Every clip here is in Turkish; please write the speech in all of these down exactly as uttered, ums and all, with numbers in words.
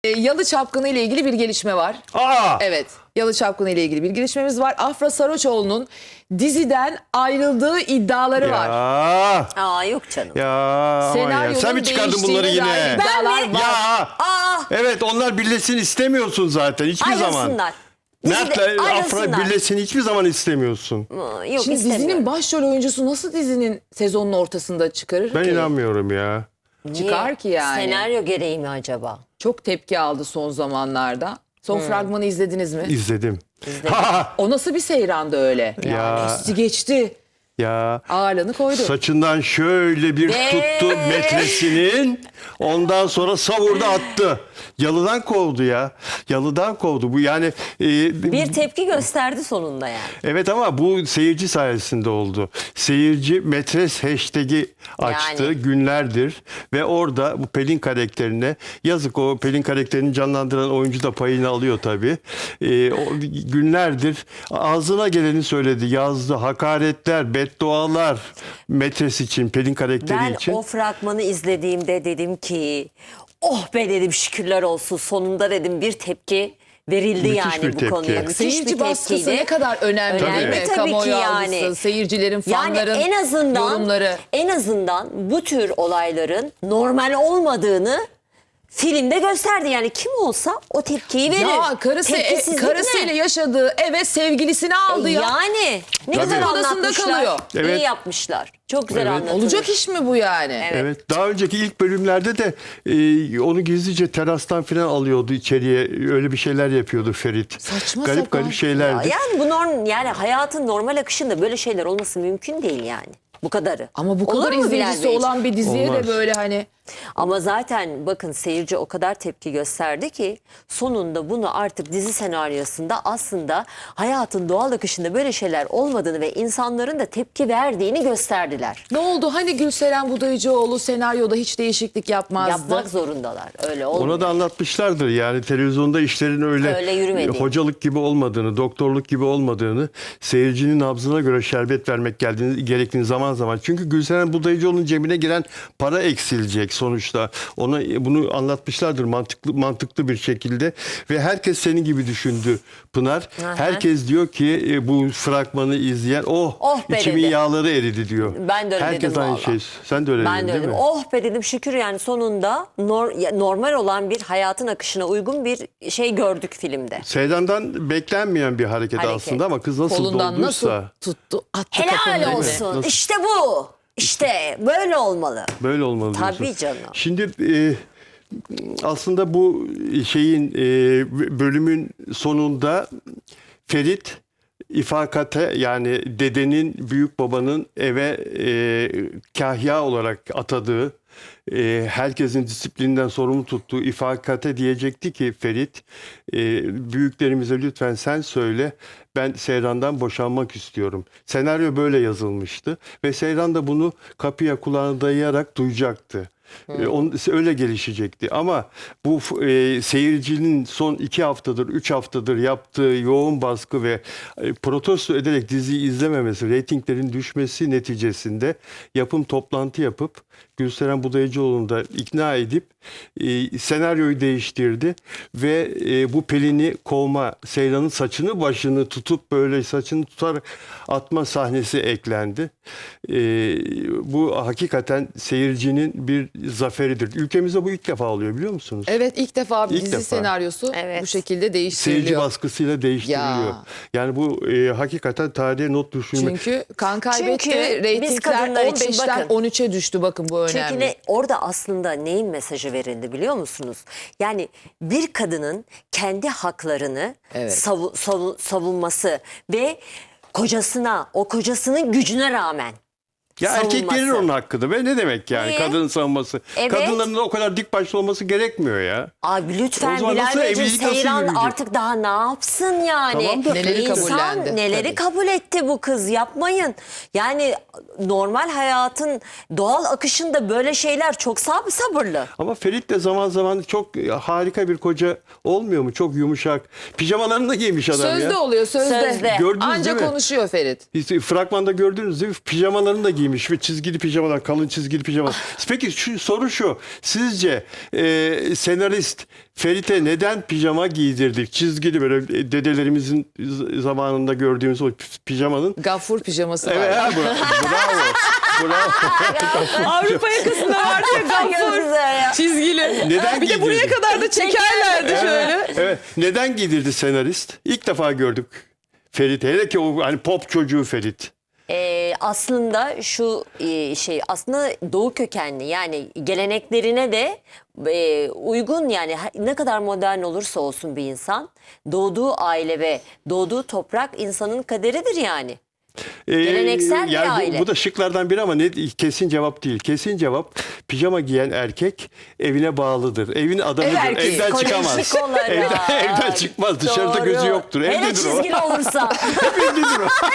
Yalı Çapkını ile ilgili bir gelişme var. Aa! Evet, Yalı Çapkını ile ilgili bir gelişmemiz var. Afra Saraçoğlu'nun diziden ayrıldığı iddiaları Ya. var. Aa yok canım. Ya. aman ya. Senaryonun Sen mi çıkardın bunları değiştiğine dair yine? iddialar Ben mi? var. Ya. Aa Evet, onlar birleşsin istemiyorsun zaten hiçbir zaman. ayrılsınlar. Mert'le Dizide Afra ayrılsınlar. birleşsin hiçbir zaman istemiyorsun. Aa, Yok Şimdi istemiyorum. dizinin başrol oyuncusu nasıl dizinin sezonun ortasında çıkarır Ben ki? inanmıyorum ya. Niye? Çıkar ki yani. Senaryo gereği mi acaba? Çok tepki aldı son zamanlarda. Son Hmm. fragmanı izlediniz mi? İzledim. O nasıl bir seyrandı öyle? Ya. Geçti geçti. Ya. Ağırlığını koydu. Saçından şöyle bir Ve- tuttu metresinin. Ondan sonra savurdu attı. Yalıdan kovdu ya. Yalıdan kovdu. Bu yani e, Bir tepki gösterdi sonunda yani. evet, ama bu seyirci sayesinde oldu. Seyirci metres hashtag'i açtı Yani. günlerdir ve orada bu Pelin karakterine, yazık, o Pelin karakterini canlandıran oyuncu da payını alıyor tabii. Ee, o günlerdir ağzına geleni söyledi, yazdı, hakaretler, beddualar metres için, Pelin karakteri Ben için. o fragmanı izlediğimde dedim ki oh be dedim, şükürler olsun, sonunda dedim bir tepki verildi. Müthiş yani bir bu tepki. konuya. Müthiş Seyirci bir baskısı tepkiydi. ne kadar önemli, Önemli değil mi? tabii Kamuoyu ki yani. algısı, seyircilerin, Yani fanların en azından yorumları. en azından bu tür olayların normal olmadığını filmde gösterdi. Yani kim olsa o tepkiyi verir. Ya karısı, e, Tepkisizlik karısıyla ne? yaşadığı eve sevgilisini aldı ya. Yani ne Tabii. güzel Odasında anlatmışlar. kalıyor. Evet. İyi yapmışlar. Çok güzel Evet. anlatılmış. Olacak iş mi bu yani? Evet. Evet, daha önceki ilk bölümlerde de e, onu gizlice terastan falan alıyordu içeriye. Öyle bir şeyler yapıyordu Ferit. Saçma garip sapan. garip şeylerdi. Ya yani bu norm, yani hayatın normal akışında böyle şeyler olması mümkün değil yani. Bu kadarı. Ama bu Olur kadar mu izleyicisi Bilal Bey? olan bir diziye Olmaz. de böyle hani Ama zaten bakın seyirci o kadar tepki gösterdi ki sonunda bunu artık dizi senaryosunda aslında hayatın doğal akışında böyle şeyler olmadığını ve insanların da tepki verdiğini gösterdiler. ne oldu? Hani Gülseren Budayıcıoğlu senaryoda hiç değişiklik yapmazdı. Yapmak zorundalar. Öyle olmuyor. Ona da anlatmışlardır yani, televizyonda işlerin öyle, Öyle yürümediğini. hocalık gibi olmadığını, doktorluk gibi olmadığını, seyircinin nabzına göre şerbet vermek geldiğini, gerektiğini zaman zaman. Çünkü Gülseren Budayıcıoğlu'nun cebine giren para eksilecek sonuçta. Ona bunu anlatmışlardır mantıklı mantıklı bir şekilde ve herkes senin gibi düşündü Pınar. Aha. Herkes diyor ki e, bu fragmanı izleyen oh, Oh be içimin dedi. yağları eridi diyor. Ben de öyle Herkes dedim aynı vallahi. şey. Sen de öyle Ben dedin de değil öyle mi? dedim. Oh be dedim, şükür yani sonunda nor- ya normal olan bir hayatın akışına uygun bir şey gördük filmde. Seydan'dan beklenmeyen bir hareket, Hareket. aslında ama kız nasıl Kolundan dolduysa. nasıl tuttu, attı kafanın Helal önüne. olsun. Nasıl? İşte bu. İşte böyle olmalı. Böyle olmalı Tabii diyorsun. canım. Şimdi e, aslında bu şeyin e, bölümün sonunda Ferit ifakate, yani dedenin, büyük babanın eve e, kahya olarak atadığı, e, herkesin disiplinden sorumlu tuttuğu ifakate diyecekti ki Ferit, e, büyüklerimize lütfen sen söyle, ben Seyran'dan boşanmak istiyorum. Senaryo böyle yazılmıştı ve Seyran da bunu kapıya kulağına dayayarak duyacaktı. E, on, öyle gelişecekti ama bu e, seyircinin son iki haftadır, üç haftadır yaptığı yoğun baskı ve e, protesto ederek diziyi izlememesi, reytinglerin düşmesi neticesinde yapım toplantı yapıp Gülseren Budayıcıoğlu'nu da ikna edip e, senaryoyu değiştirdi ve e, bu Pelin'i kovma, Seyran'ın saçını başını tutup böyle saçını tutar atma sahnesi eklendi. E, bu hakikaten seyircinin bir zaferidir. Ülkemizde bu ilk defa oluyor, biliyor musunuz? Evet, ilk defa bir İlk dizi defa. senaryosu Evet. bu şekilde Seyirci değiştiriliyor. baskısıyla değiştiriliyor. Ya. Yani bu e, hakikaten tarihe not düşürmek. Çünkü kan kaybetti, Çünkü biz reytingler kadınlar için on beşten bakın. on üçe düştü, bakın bu önemli. Çünkü ne, orada aslında neyin mesajı verildi biliyor musunuz? Yani bir kadının kendi haklarını Evet. savu- savu- savunması ve kocasına, o kocasının gücüne rağmen Ya erkek savunması. verir onun hakkını ve ne demek yani Niye? kadının savunması. Evet. Kadınların da o kadar dik başlı olması gerekmiyor ya. Abi O lütfen zaman Bilal nasıl Beyciğim, evlilik nasıl Seyran yürüyecek? artık daha ne yapsın yani? Tamam da- Neleri İnsan kabullendi, neleri tabii. kabul etti bu kız, yapmayın. Yani normal hayatın doğal akışında böyle şeyler çok sab sabırlı. Ama Ferit de zaman zaman çok harika bir koca olmuyor mu? Çok yumuşak. Pijamalarını da giymiş adam Sözde ya. oluyor, sözde. Sözde. Gördünüz Anca değil mi? konuşuyor Ferit. Biz fragmanda gördünüz değil mi? Pijamalarını da giymiş giymiş ve çizgili pijamalar, kalın çizgili pijamalar. Peki şu soru şu. Sizce e, senarist Ferit'e neden pijama giydirdik? Çizgili böyle dedelerimizin z- zamanında gördüğümüz o pijamanın. Gaffur pijaması Evet, var. ha, bra- bravo. Bravo. Avrupa yakasında vardı ya Çok gaffur. güzel ya. Çizgili. Neden Bir de buraya giydirdi? kadar da çekerlerdi şöyle. Evet. Neden giydirdi senarist? İlk defa gördük Ferit. Hele ki o hani pop çocuğu Ferit. Ee, aslında şu e, şey aslında Doğu kökenli, yani geleneklerine de e, uygun, yani ha- ne kadar modern olursa olsun bir insan, doğduğu aile ve doğduğu toprak insanın kaderidir yani. Ee, Geleneksel bir yani bu- aile. Bu, da şıklardan biri ama ne, kesin cevap değil. Kesin cevap, pijama giyen erkek evine bağlıdır. Evin adamıdır. Ev erkeği. Evden çıkamaz. Psikolojik olarak. Evden, evden çıkmaz. Dışarıda Doğru. gözü yoktur. Hele Evdedir o. çizgili olursa. Evdedir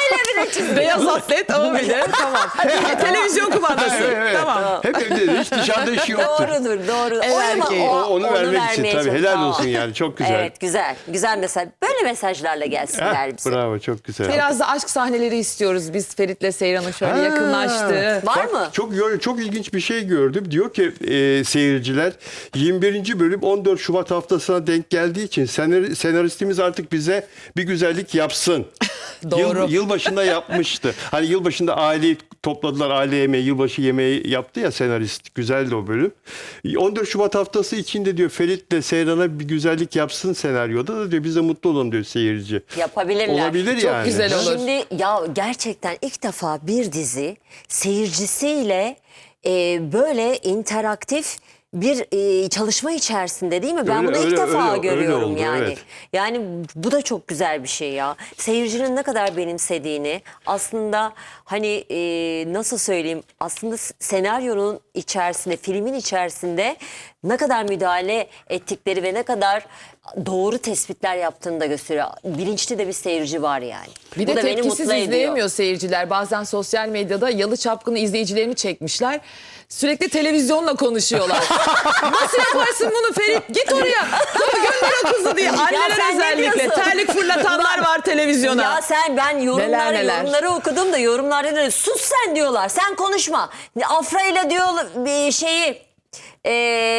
o. Beyaz atlet ama bir de tamam. Televizyon kumandası. Evet, evet. Tamam. Hep evdedir. Hiç dışarıda işi yoktur. Doğrudur, doğru. Ev O ama erkeği. O, onu vermek için vermeye tabii. çok- Helal Aa. olsun yani. Çok güzel. Evet, güzel. Güzel mesaj. Böyle mesajlarla gelsinler Heh, bize. bravo, çok güzel. Biraz da aşk sahneleri istiyoruz biz Ferit'le Seyran'ın şöyle Ha. yakınlaştığı. Var Bak, mı? Çok yo- çok ilginç bir şey gördüm. Diyor ki e, seyirciler, yirmi birinci bölüm on dört Şubat haftasına denk geldiği için senar- senaristimiz artık bize bir güzellik yapsın. Doğru. Yıl, yılbaşında yapmıştı. Hani yılbaşında aileyi topladılar, aile yemeği, yılbaşı yemeği yaptı ya senarist. Güzeldi o bölüm. on dört Şubat haftası içinde diyor Ferit'le Seyran'a bir güzellik yapsın senaryoda da diyor, biz de mutlu olalım diyor seyirci. Yapabilirler. Olabilir Çok yani. güzel olur. Şimdi ya gerçekten ilk defa bir dizi seyircisiyle e, böyle interaktif bir e, çalışma içerisinde, değil mi? Ben Öyle, bunu ilk öyle, defa öyle, öyle görüyorum oldu, yani. evet. Yani bu da çok güzel bir şey ya. Seyircinin ne kadar benimsediğini, aslında hani e, nasıl söyleyeyim, aslında s- senaryonun içerisinde, filmin içerisinde ne kadar müdahale ettikleri ve ne kadar doğru tespitler yaptığını da gösteriyor. Bilinçli de bir seyirci var yani. Bir Bu de da beni tepkisiz mutlu ediyor. izleyemiyor seyirciler. Bazen sosyal medyada Yalı Çapkını izleyicilerini çekmişler. Sürekli televizyonla konuşuyorlar. Nasıl yaparsın bunu Ferit? Git oraya. Sonra gönder o kızı diye. Anneler sen ne özellikle. diyorsun? Terlik fırlatanlar var televizyona. Ya sen, ben yorumları Neler neler. yorumları okudum da yorumlarda da sus sen diyorlar. Sen konuşma. Afra ile diyor bir şeyi e,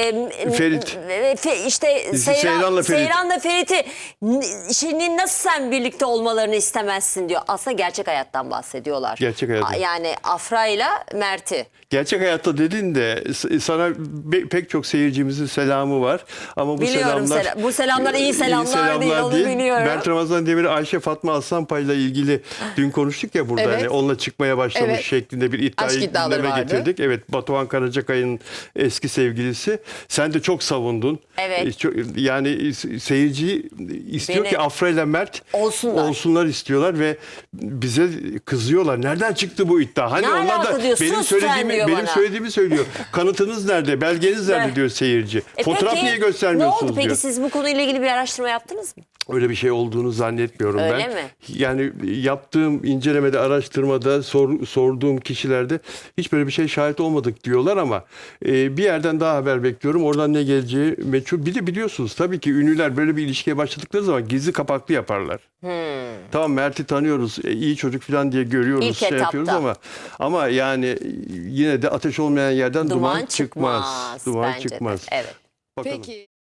Ferit. e, fe- işte Seyran, Seyran'la Ferit. Seyran'la Ferit'i n- şimdi nasıl sen birlikte olmalarını istemezsin diyor. Aslında gerçek hayattan bahsediyorlar. Gerçek hayattan. A- Yani Afra ile Mert'i. Gerçek hayatta dedin de s- sana be- pek çok seyircimizin selamı var. Ama bu Biliyorum, selamlar sela- bu selamlar iyi selamlar değil, onu biliyorum. Berk Ramazan Demir, Ayşe Fatma Aslanpay ile ilgili dün konuştuk ya burada. Evet. Hani onunla çıkmaya başlamış Evet. şeklinde bir iddiayı Aşk iddiaları gündeme vardı. getirdik. Evet, Batuhan Karacakay'ın eski sevgilisi. Sen de çok savundun. Evet. E, çok- yani seyirci istiyor Beni- ki Afra ile Mert Olsunlar. olsunlar istiyorlar ve bize kızıyorlar. Nereden çıktı bu iddia? Hani Ne onlar alaka da diyor, benim sus sen söylediğimi diyor benim bana. söylediğimi söylüyor. Kanıtınız nerede? Belgeniz nerede Ben- diyor seyirci. E Fotoğraf peki, niye göstermiyorsunuz Ne oldu peki, diyor. siz bu konuyla ilgili bir araştırma yaptınız mı? Öyle bir şey olduğunu zannetmiyorum Öyle ben. mi? Yani yaptığım incelemede, araştırmada, sor- sorduğum kişilerde hiç böyle bir şey şahit olmadık diyorlar ama e, bir yerden daha haber bekliyorum. Oradan ne geleceği meçhul. Bir de biliyorsunuz tabii ki ünlüler böyle bir ilişkiye başladıkları zaman gizli kapaklı yaparlar. Tamam, Mert'i tanıyoruz, e, iyi çocuk falan diye görüyoruz, İlk şey etapta. yapıyoruz ama ama yani yine de ateş olmayan yerden duman, Duman çıkmaz. çıkmaz Duman bence de. çıkmaz. Evet. Bakalım. Peki.